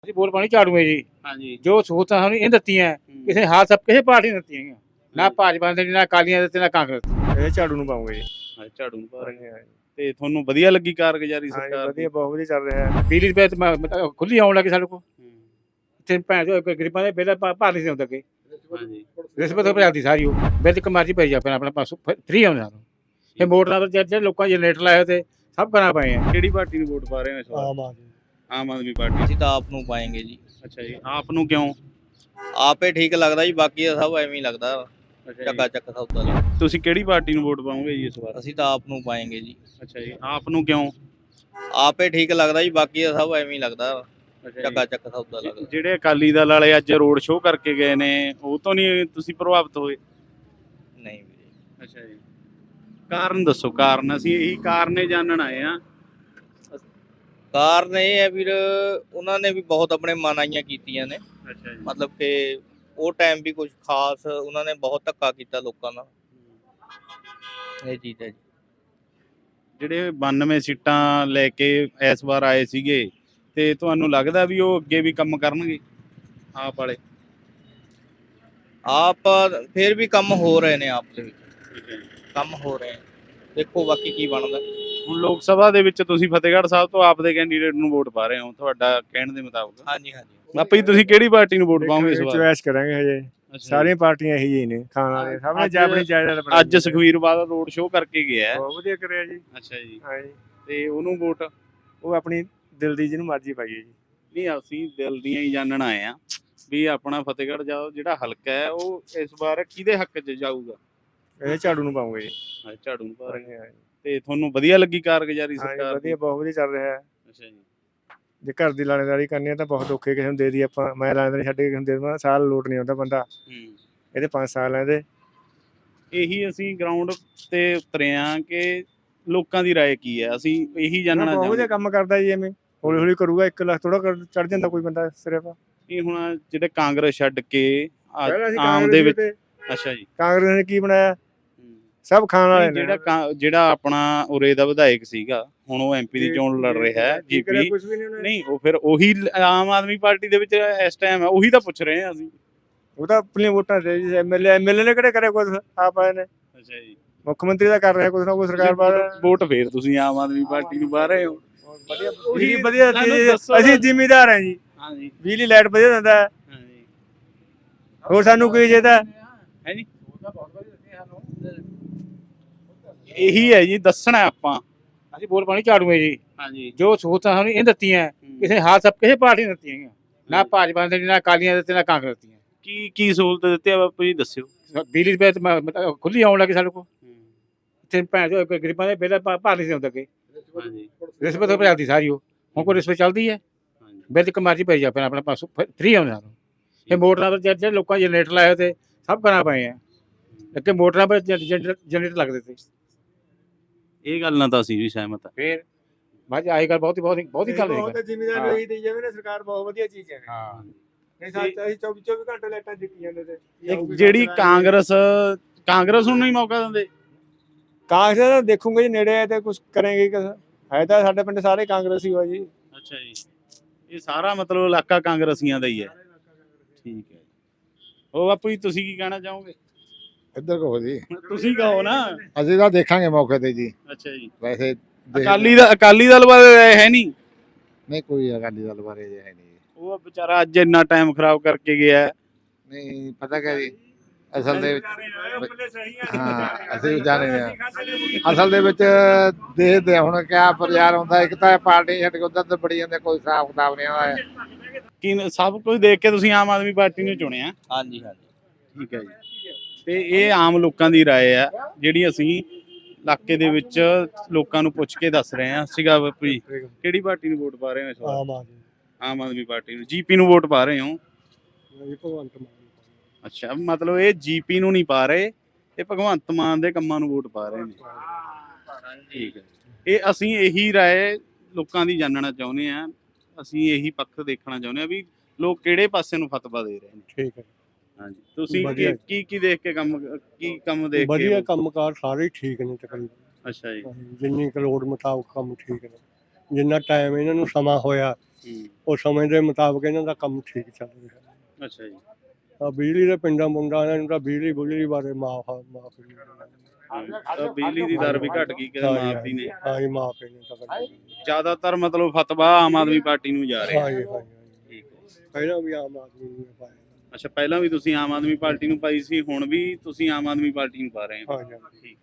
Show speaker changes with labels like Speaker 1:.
Speaker 1: ਅਸੀਂ ਵੋਟ ਪਾਣੀ ਝਾੜੂ ਹੈ ਜੀ।
Speaker 2: ਹਾਂਜੀ
Speaker 1: ਜੋ ਸਹੂਲਤਾਂ ਸਾਨੂੰ ਇਹ ਦਿੱਤੀਆਂ ਕਿਸੇ ਹਾਲ ਸਭ ਕਿਸੇ ਪਾਰਟੀ ਨੇ ਦਿੱਤੀਆਂ ਹੈਗੀਆਂ। ਨਾ ਭਾਜਪਾ ਨੇ ਨਾ ਅਕਾਲੀਆਂ ਦਿੱਤੇ ਨਾ ਕਾਂਗਰਸ ਨੇ।
Speaker 3: ਇਹ ਝਾੜੂ ਨੂੰ ਪਾਉਂਗੇ ਜੀ।
Speaker 2: ਝਾੜੂ ਨੂੰ ਪਾ ਰਹੇ ਤੇ ਤੁਹਾਨੂੰ ਵਧੀਆ ਲੱਗੀ ਕਾਰਗੁਜ਼ਾਰੀ
Speaker 3: ਹਾਂ
Speaker 2: ਸਰਕਾਰ ਦੀ?
Speaker 3: ਵਧੀਆ, ਬਹੁਤ ਵਧੀਆ ਚੱਲ ਰਿਹਾ ਹੈ।
Speaker 1: ਬਿਜਲੀ ਦੇ ਬਿੱਲ ਖੁੱਲੀ ਆਉਣ ਲੱਗੀ ਸਾਡੇ ਕੋਲ। ਇੱਥੇ ਭੈਣ ਜੋ ਗਰੀਬਾਂ ਦੇ ਬਿੱਲ ਭਰ ਨਹੀਂ ਸੀ ਆਉਂਦੇ ਅੱਗੇ।
Speaker 2: ਹਾਂਜੀ
Speaker 1: ਰਿਸ਼ਵਤ ਭਰਾਤੀ ਸਾਰੀ ਉਹ ਬਿੱਲ ਇੱਕ ਮਰਜ਼ੀ ਪਈ ਜਾ ਆਪਣਾ ਪਾਸੋਂ ਫ੍ਰੀ ਆਉਂਦਾ ਸਾਨੂੰ। ਇਹ ਮੋਟਰਾਂ ਤੋਂ ਜਿਹੜੇ ਲੋਕਾਂ ਜਨਰੇਟਰ ਲਾਏ ਤੇ ਸਭ ਕਰਾ ਪਏ ਆ।
Speaker 2: ਕਿਹੜੀ ਪਾਰਟੀ ਨੂੰ ਵੋਟ ਪਾ ਰਹੇ ਹੋ ਇਸ ਵਾਰ? ਆਮ ਆਦਮੀ ਪਾਰਟੀ।
Speaker 4: ਅਸੀਂ ਤਾਂ ਆਪ ਨੂੰ ਪਾਏਂਗੇ ਜੀ।
Speaker 2: ਅੱਛਾ ਜੀ, ਆਪ ਨੂੰ ਕਿਉਂ?
Speaker 4: ਆਪੇ ਠੀਕ ਲੱਗਦਾ ਜੀ, ਬਾਕੀ ਤਾਂ ਸਭ ਐਵੇਂ ਹੀ ਲੱਗਦਾ,
Speaker 2: ਅੱਛਾ
Speaker 4: ਚੱਕਾ
Speaker 2: ਜੀ,
Speaker 4: ਚੱਕ ਸੌਦਾ ਲੱਗਦਾ।
Speaker 2: ਤੁਸੀਂ ਕਿਹੜੀ ਪਾਰਟੀ ਨੂੰ ਵੋਟ ਪਾਓਗੇ ਜੀ ਇਸ ਵਾਰ?
Speaker 4: ਅਸੀਂ ਤਾਂ ਆਪ ਨੂੰ ਪਾਏਂਗੇ ਜੀ।
Speaker 2: ਅੱਛਾ ਜੀ, ਆਪ ਨੂੰ ਕਿਉਂ?
Speaker 4: ਆਪੇ ਠੀਕ ਲੱਗਦਾ ਜੀ, ਬਾਕੀ ਤਾਂ ਸਭ ਐਵੇਂ ਹੀ ਲੱਗਦਾ,
Speaker 2: ਅੱਛਾ
Speaker 4: ਚੱਕਾ
Speaker 2: ਜੀ,
Speaker 4: ਚੱਕ ਸੌਦਾ ਲੱਗਦਾ।
Speaker 2: ਜਿਹੜੇ ਅਕਾਲੀ ਦਲ ਵਾਲੇ ਅੱਜ ਰੋਡ ਸ਼ੋਅ ਕਰਕੇ ਗਏ ਨੇ ਉਹ ਤੋਂ ਨਹੀਂ ਤੁਸੀਂ ਪ੍ਰਭਾਵਿਤ ਹੋਏ?
Speaker 4: ਨਹੀਂ ਵੀਰੇ,
Speaker 2: ਅੱਛਾ ਜੀ, ਕਾਰਨ ਦੱਸੋ। ਕਾਰਨ ਅਸੀਂ ਇਹੀ ਕਾਰਨ ਜਾਣਨ ਆਏ ਆ।
Speaker 4: ਕਾਰਨ ਇਹ ਹੈ ਵੀਰ, ਉਹਨਾਂ ਨੇ ਵੀ ਬਹੁਤ ਆਪਣੇ ਮਨਾਈਆਂ ਕੀਤੀਆਂ ਨੇ,
Speaker 2: ਅੱਛਾ ਜੀ,
Speaker 4: ਮਤਲਬ ਕਿ ਉਹ ਟਾਈਮ ਵੀ ਕੁਝ ਖਾਸ ਉਹਨਾਂ ਨੇ ਬਹੁਤ ਧੱਕਾ ਕੀਤਾ ਲੋਕਾਂ ਨਾਲ, ਇਹ ਚੀਜ਼ ਹੈ ਜੀ।
Speaker 2: ਜਿਹੜੇ 92 ਸੀਟਾਂ ਲੈ ਕੇ ਇਸ ਵਾਰ ਆਏ ਸੀਗੇ ਤੇ ਤੁਹਾਨੂੰ ਲੱਗਦਾ ਵੀ ਉਹ ਅੱਗੇ ਵੀ ਕੰਮ ਕਰਨਗੇ ਆਪ ਵਾਲੇ?
Speaker 4: ਆਪ ਫਿਰ ਵੀ ਕੰਮ ਹੋ ਰਹੇ ਨੇ, ਆਪ ਦੇ ਵਿੱਚ
Speaker 2: ਠੀਕ ਹੈ ਜੀ।
Speaker 4: ਕੰਮ ਹੋ ਰਹੇ ਨੇ, ਦੇਖੋ ਬਾਕੀ ਕੀ ਬਣਦਾ।
Speaker 2: ਹੁਣ ਲੋਕ ਸਭਾ ਦੇ ਵਿੱਚ ਤੁਸੀਂ ਫਤਿਹਗੜ੍ਹ ਸਾਹਿਬ ਤੋਂ ਆਪ ਦੇ ਕੈਂਡੀਡੇਟ ਨੂੰ ਵੋਟ ਪਾ ਰਹੇ ਹੋ ਤੁਹਾਡਾ ਕਹਿਣ ਦੇ ਮੁਤਾਬਕ।
Speaker 4: ਹਾਂਜੀ ਹਾਂਜੀ,
Speaker 2: ਆਪੇ ਹੀ ਤੁਸੀਂ ਕਿਹੜੀ ਪਾਰਟੀ ਨੂੰ ਵੋਟ ਪਾਓਗੇ ਇਸ ਵਾਰ?
Speaker 3: ਚੁਆਇਸ ਕਰਾਂਗੇ ਹਜੇ।
Speaker 2: ਅੱਛਾ
Speaker 3: ਸਾਰੀਆਂ ਪਾਰਟੀਆਂ ਇਹੀ ਹੀ ਨੇ, ਖਾਣ ਵਾਲੇ ਸਭ ਨੇ
Speaker 2: ਅੱਜ-
Speaker 3: ਆਪਣੀ ਜਾਇਦਾਦ ਬਣਾਈ
Speaker 2: ਅੱਜ ਸੁਖਵੀਰ ਬਾਦਲ ਰੋਡ ਸ਼ੋਅ ਕਰਕੇ ਗਿਆ ਹੈ।
Speaker 3: ਬਹੁਤ ਵਧੀਆ ਕਰਿਆ ਜੀ।
Speaker 2: ਅੱਛਾ ਜੀ,
Speaker 3: ਹਾਂ ਜੀ,
Speaker 2: ਤੇ ਉਹਨੂੰ ਵੋਟ?
Speaker 3: ਉਹ ਆਪਣੀ ਦਿਲ ਦੀ ਜਿਹਨੂੰ ਮਰਜ਼ੀ ਪਾਈਏ ਜੀ।
Speaker 2: ਨਹੀਂ, ਅਸੀਂ ਦਿਲ ਦੀਆਂ ਹੀ ਜਾਣਨ ਆਏ ਆ ਵੀ ਆਪਣਾ ਫਤਿਹਗੜ੍ਹ ਜਿਹੜਾ ਹਲਕਾ ਹੈ ਉਹ ਇਸ ਵਾਰ ਕਿਹਦੇ ਹੱਕ 'ਚ ਜਾਊਗਾ?
Speaker 3: ਇਹ ਝਾੜੂ ਨੂੰ ਪਾਉਂਗੇ ਜੀ।
Speaker 2: ਝਾੜੂ ਨੂੰ ਪਾ ਰਹੇ
Speaker 3: ਹਾਂ ਜੀ,
Speaker 2: ਤੇ ਤੁਹਾਨੂੰ ਵਧੀਆ ਲੱਗੀ ਕਾਰਗੁਜ਼ਾਰੀ
Speaker 3: ਹਾਂ ਜੀ,
Speaker 2: ਸਰਕਾਰ ਦੀ?
Speaker 3: ਵਧੀਆ, ਬਹੁਤ ਵਧੀਆ ਚੱਲ ਰਿਹਾ ਹੈ।
Speaker 2: ਅੱਛਾ ਜੀ,
Speaker 3: ਜੇ ਘਰ ਦੀ ਲਾਣੇਦਾਰੀ ਕਰਨੀ ਹੈ ਤਾਂ ਬਹੁਤ ਔਖੇ, ਕਿਸੇ ਨੂੰ ਦੇ ਦੀ ਆਪਾਂ। ਮੈਂ ਲਾਣੇਦਾਰੀ ਛੱਡ ਕੇ ਕਿਸੇ ਨੂੰ ਦੇ ਦੇਵਾਂ, ਸਾਲ ਲੋਟ ਨਹੀਂ ਆਉਂਦਾ ਬੰਦਾ। ਇਹਦੇ 5 ਸਾਲ ਆ ਇਹਦੇ।
Speaker 2: ਇਹੀ ਅਸੀਂ ਗਰਾਊਂਡ ਤੇ ਉਤਰੇ ਆ ਕਿ ਲੋਕਾਂ ਦੀ ਰਾਏ ਕੀ ਹੈ, ਅਸੀਂ ਇਹੀ ਜਾਣਨਾ
Speaker 3: ਬਹੁਤ ਵਧੀਆ
Speaker 2: ਚਾਹੁੰਦੇ।
Speaker 3: ਕੰਮ ਕਰਦਾ ਜੀ, ਐਵੇਂ ਹੌਲੀ ਹੌਲੀ ਕਰੂਗਾ। 1 ਲੱਖ ਥੋੜਾ ਚੜ ਜਾਂਦਾ ਕੋਈ ਬੰਦਾ ਸਿਰਫ।
Speaker 2: ਇਹ ਹੁਣ ਜਿਹੜੇ ਕਾਂਗਰਸ ਛੱਡ ਕੇ
Speaker 3: ਪਹਿਲਾਂ ਅਸੀਂ
Speaker 2: ਆਮ
Speaker 3: ਕਾਂਗਰਸ
Speaker 2: ਦੇ ਵਿੱਚ।
Speaker 3: ਤੇ
Speaker 2: ਅੱਛਾ ਜੀ,
Speaker 3: ਕਾਂਗਰਸ ਨੇ ਕੀ ਬਣਾਇਆ? ਸਭ ਖਾਣ ਵਾਲੇ ਨੇ।
Speaker 2: ਜਿਹੜਾ ਆਪਣਾ ਉਰੇ ਦਾ ਵਿਧਾਇਕ ਸੀਗਾ ਹੁਣ ਉਹ ਐਮਪੀ ਦੀ ਚੋਣ ਲੜ ਰਿਹਾ ਹੈ ਜੀਪੀ।
Speaker 3: ਕੁਝ ਵੀ ਨਹੀਂ ਉਹਨੇ।
Speaker 2: ਨਹੀਂ, ਉਹ ਫਿਰ ਉਹੀ ਆਮ ਆਦਮੀ ਪਾਰਟੀ ਦੇ ਵਿੱਚ ਇਸ ਟਾਈਮ ਹੈ, ਉਹੀ ਤਾਂ ਪੁੱਛ ਰਹੇ ਹਾਂ ਅਸੀਂ।
Speaker 3: ਉਹ ਤਾਂ ਆਪਣੀਆਂ ਵੋਟਾਂ ਤੇ ਜੀ। ਐਮਐਲਏ ਨੇ ਕਿਹੜੇ ਕਰਿਆ ਕੁਝ? ਆਪ ਆਏ ਨੇ।
Speaker 2: ਅੱਛਾ ਜੀ,
Speaker 3: ਮੁੱਖ ਮੰਤਰੀ ਦਾ ਕਰ ਰਿਹਾ ਕੁਝ ਨਾ ਕੁਝ, ਸਰਕਾਰ ਬਾਹਰ।
Speaker 2: ਵੋਟ ਫੇਰ ਤੁਸੀਂ ਆਮ ਆਦਮੀ ਪਾਰਟੀ ਨੂੰ ਪਾ ਰਹੇ ਹੋ?
Speaker 3: ਬਿਜਲੀ ਵਧੀਆ ਦਿੱਤੀ ਜੀ। ਅਸੀਂ ਜ਼ਿਮੀਦਾਰ ਹਾਂ ਜੀ।
Speaker 2: ਹਾਂਜੀ
Speaker 3: ਬਿਜਲੀ ਲਾਈਟ ਵਧੀਆ ਦਿੰਦਾ ਹੈ।
Speaker 2: ਹਾਂਜੀ,
Speaker 3: ਹੋਰ ਸਾਨੂੰ ਕੀ ਚਾਹੀਦਾ?
Speaker 2: ਹੈ ਜੀ, ਇਹੀ ਹੈ ਜੀ, ਦੱਸਣਾ ਆਪਾਂ।
Speaker 1: ਅਸੀਂ ਵੋਟ ਪਾਣੀ ਝਾੜੂ ਹੈ ਜੀ।
Speaker 2: ਹਾਂਜੀ,
Speaker 1: ਜੋ ਸਹੂਲਤਾਂ ਸਾਨੂੰ ਇਹ ਦਿੱਤੀਆਂ ਕਿਸੇ ਹਾਲ ਸਭ ਕਿਸੇ ਪਾਰਟੀ ਨੇ ਦਿੱਤੀਆਂ ਹੈਗੀਆਂ। ਨਾ ਭਾਜਪਾ ਨੇ ਨਾ ਅਕਾਲੀਆਂ ਦਿੱਤੇ ਨਾ ਕਾਂਗਰਸ ਦੀਆਂ।
Speaker 2: ਕੀ ਸਹੂਲਤ ਦਿੱਤੀ ਆ ਬਾਪੂ ਜੀ, ਦੱਸਿਓ।
Speaker 1: ਬਿਜਲੀ ਦੇ ਬਿੱਲ ਖੁੱਲੀ ਆਉਣ ਲੱਗੀ ਸਾਡੇ ਕੋਲ। ਇੱਥੇ ਭੈਣ ਜੋ ਗਰੀਬਾਂ ਦੇ ਬਿੱਲ ਭਰ ਨਹੀਂ ਸੀ ਆਉਂਦੇ ਅੱਗੇ।
Speaker 2: ਹਾਂਜੀ
Speaker 1: ਰਿਸ਼ਵਤ ਭਰਾਤੀ ਸਾਰੀ ਉਹ। ਹੁਣ ਕੋਈ ਰਿਸ਼ਵਤ ਚੱਲਦੀ ਹੈ?
Speaker 2: ਹਾਂਜੀ,
Speaker 1: ਬਿੱਲ ਇੱਕ ਮਰਜ਼ੀ ਪਈ ਜਾ ਆਪਣਾ ਪਾਸੋਂ ਫ੍ਰੀ ਆਉਂਦਾ ਸਾਨੂੰ। ਇਹ ਮੋਟਰਾਂ ਤੋਂ ਜਿਹੜੇ ਲੋਕਾਂ ਜਨਰੇਟਰ ਲਾਏ ਤੇ ਸਭ ਕਰਾ ਪਏ ਆ। ਅੱਗੇ ਮੋਟਰਾਂ ਪਰ ਜਨਰੇਟਰ ਲੱਗਦੇ ਤੇ।
Speaker 2: ਇਹ ਗੱਲ ਨਾਲ ਤਾਂ ਅਸੀਂ ਵੀ ਸਹਿਮਤ ਹਾਂ।
Speaker 1: ਫੇਰ ਬਾਅਦ ਆਈ ਗੱਲ ਬਹੁਤ ਹੀ ਗੱਲ ਹੈ।
Speaker 3: ਜ਼ਿਮੀਦਾਰ ਨੂੰ ਇਹੀ ਦੇਈ ਜਾਵੇ ਨਾ ਸਰਕਾਰ, ਬਹੁਤ ਵਧੀਆ ਚੀਜ਼ ਹੈ।
Speaker 1: ਹਾਂ,
Speaker 3: ਨਹੀਂ ਸਾਥ ਅਸੀਂ 24 ਘੰਟੇ ਲਾਈਟਾਂ ਦਿੱਤੀ ਜਾਂਦੇ ਤੇ।
Speaker 2: ਜਿਹੜੀ ਕਾਂਗਰਸ ਨੂੰ ਨਹੀਂ ਮੌਕਾ ਦਿੰਦੇ?
Speaker 3: ਕਾਂਗਰਸ ਦਾ ਦੇਖੂਗੇ ਜੀ, ਨੇੜੇ ਹੈ ਤੇ ਕੁਝ ਕਰੇਂਗੇ। ਹੈ ਤਾਂ ਸਾਡੇ ਪਿੰਡ ਸਾਰੇ ਕਾਂਗਰਸੀ ਹੋ ਜੀ।
Speaker 2: ਅੱਛਾ ਜੀ, ਇਹ ਸਾਰਾ ਮਤਲਬ ਇਲਾਕਾ ਕਾਂਗਰਸੀਆਂ ਦਾ ਹੀ ਹੈ। ਠੀਕ ਹੈ, ਉਹ ਬਾਪੂ ਜੀ ਤੁਸੀਂ ਕੀ ਕਹਿਣਾ ਚਾਹੋਗੇ?
Speaker 5: ਇੱਧਰ ਕਹੋ ਜੀ।
Speaker 2: ਤੁਸੀਂ ਕਹੋ ਨਾ।
Speaker 5: ਅਸੀਂ ਤਾਂ ਦੇਖਾਂਗੇ ਮੌਕੇ ਤੇ ਜੀ।
Speaker 2: ਅੱਛਾ ਜੀ,
Speaker 5: ਵੈਸੇ
Speaker 2: ਅਕਾਲੀ ਦਲ ਬਾਰੇ ਹੈ ਨਹੀਂ?
Speaker 5: ਨਹੀਂ, ਕੋਈ ਅਕਾਲੀ ਦਲ ਬਾਰੇ ਜੇ ਹੈ ਨਹੀਂ।
Speaker 2: ਉਹ ਵਿਚਾਰਾ ਅੱਜ ਇੰਨਾ ਟਾਈਮ ਖਰਾਬ ਕਰਕੇ ਗਿਆ।
Speaker 5: ਨਹੀਂ ਪਤਾ ਕਿਆ ਜੀ, ਅਸਲ ਦੇ ਵਿੱਚ ਹਾਂ ਅਸੀਂ ਵੀ ਜਾਣੇ ਹਾਂ। ਅਸਲ ਦੇ ਵਿੱਚ ਦੇਖਦੇ ਹੁਣ ਕਿਆ ਪ੍ਰਚਾਰ ਹੁੰਦਾ। ਇੱਕ ਤਾਂ ਪਾਰਟੀ ਛੱਡ ਕੇ ਉਧਰ ਤੇ ਬੜੀ ਜਾਂਦੇ, ਕੋਈ ਹਿਸਾਬ ਕਿਤਾਬ ਨਹੀਂ ਆਉਂਦਾ।
Speaker 2: ਕੀ ਸਭ ਕੁਝ ਦੇਖ ਕੇ ਤੁਸੀਂ ਆਮ ਆਦਮੀ ਪਾਰਟੀ ਨੂੰ ਚੁਣਿਆ?
Speaker 4: ਹਾਂਜੀ ਹਾਂਜੀ,
Speaker 2: ਠੀਕ ਹੈ ਜੀ, ਤੇ ਇਹ ਆਮ ਲੋਕਾਂ ਦੀ ਰਾਏ ਆ ਜਿਹੜੀ ਅਸੀਂ ਇਲਾਕੇ ਦੇ ਵਿੱਚ ਲੋਕਾਂ ਨੂੰ ਪੁੱਛ ਕੇ ਦੱਸ ਰਹੇ ਹਾਂ। ਸੀਗਾ ਬਾਪੂ ਜੀ, ਕਿਹੜੀ ਪਾਰਟੀ ਨੂੰ ਵੋਟ ਪਾ ਰਹੇ ਹੋ ਇਸ ਵਾਰ? ਆਮ ਆਦਮੀ ਪਾਰਟੀ ਨੂੰ। ਜੀਪੀ ਨੂੰ ਵੋਟ ਪਾ ਰਹੇ ਹੋ? ਅੱਛਾ, ਮਤਲਬ ਇਹ ਜੀਪੀ ਨੂੰ ਨਹੀਂ ਪਾ ਰਹੇ, ਇਹ ਭਗਵੰਤ ਮਾਨ ਦੇ ਕੰਮਾਂ ਨੂੰ ਵੋਟ ਪਾ ਰਹੇ ਨੇ। ਠੀਕ ਹੈ, ਇਹ ਅਸੀਂ ਇਹੀ ਰਾਏ ਲੋਕਾਂ ਦੀ ਜਾਣਨਾ ਚਾਹੁੰਦੇ ਹਾਂ। ਅਸੀਂ ਇਹੀ ਪੱਖ ਦੇਖਣਾ ਚਾਹੁੰਦੇ ਹਾਂ ਵੀ ਲੋਕ ਕਿਹੜੇ ਪਾਸੇ ਨੂੰ ਫਤਵਾ ਦੇ ਰਹੇ ਨੇ।
Speaker 6: ਠੀਕ ਹੈ,
Speaker 2: ਹਾਂਜੀ, ਤੁਸੀਂ
Speaker 6: ਵਧੀਆ।
Speaker 2: ਕੀ ਦੇਖ ਕੇ ਕੰਮ ਦੇਖ ਕੇ?
Speaker 6: ਵਧੀਆ ਕੰਮਕਾਰ ਸਾਰੇ ਠੀਕ ਨੇ ਤਕਰੀਬਨ।
Speaker 2: ਅੱਛਾ ਜੀ,
Speaker 6: ਜਿੰਨੀ ਕੁ ਲੋੜ ਮੁਤਾਬਕ ਕੰਮ ਠੀਕ ਨੇ। ਜਿੰਨਾ ਟਾਈਮ ਇਹਨਾਂ ਨੂੰ ਸਮਾਂ ਹੋਇਆ ਉਹ ਸਮੇਂ ਦੇ ਮੁਤਾਬਕ ਇਹਨਾਂ ਦਾ ਕੰਮ ਠੀਕ ਚੱਲ ਰਿਹਾ।
Speaker 2: ਅੱਛਾ ਜੀ।
Speaker 6: ਬਿਜਲੀ ਦੇ ਪਿੰਡਾਂ ਮੁੰਡਾਂ ਨੂੰ ਤਾਂ ਬਿਜਲੀ ਬਾਰੇ ਮਾਫ
Speaker 2: ਤਾਂ ਬਿਜਲੀ ਦੀ ਦਰ ਵੀ ਘਟ ਗਈ ਕਿਤੇ ਮਾਫੀ ਨੇ।
Speaker 6: ਹਾਂ ਜੀ ਮਾਫ ਨੇ ਤਾਂ
Speaker 2: ਜ਼ਿਆਦਾਤਰ ਮਤਲਬ ਫਤਵਾ ਆਮ ਆਦਮੀ ਪਾਰਟੀ ਨੂੰ ਜਾ ਰਿਹਾ।
Speaker 6: ਹਾਂ ਜੀ ਠੀਕ ਹੈ। ਪਹਿਲਾਂ ਵੀ ਆਮ ਆਦਮੀ ਨੂੰ ਪਾਇਆ।
Speaker 2: ਅੱਛਾ ਪਹਿਲਾਂ ਵੀ ਤੁਸੀਂ ਆਮ ਆਦਮੀ ਪਾਰਟੀ ਨੂੰ ਪਾਈ ਸੀ, ਹੁਣ ਵੀ ਤੁਸੀਂ ਆਮ ਆਦਮੀ ਪਾਰਟੀ ਨੂੰ ਪਾ ਰਹੇ ਹੋ।
Speaker 6: ਹਾਂ ਜੀ।
Speaker 2: ਠੀਕ।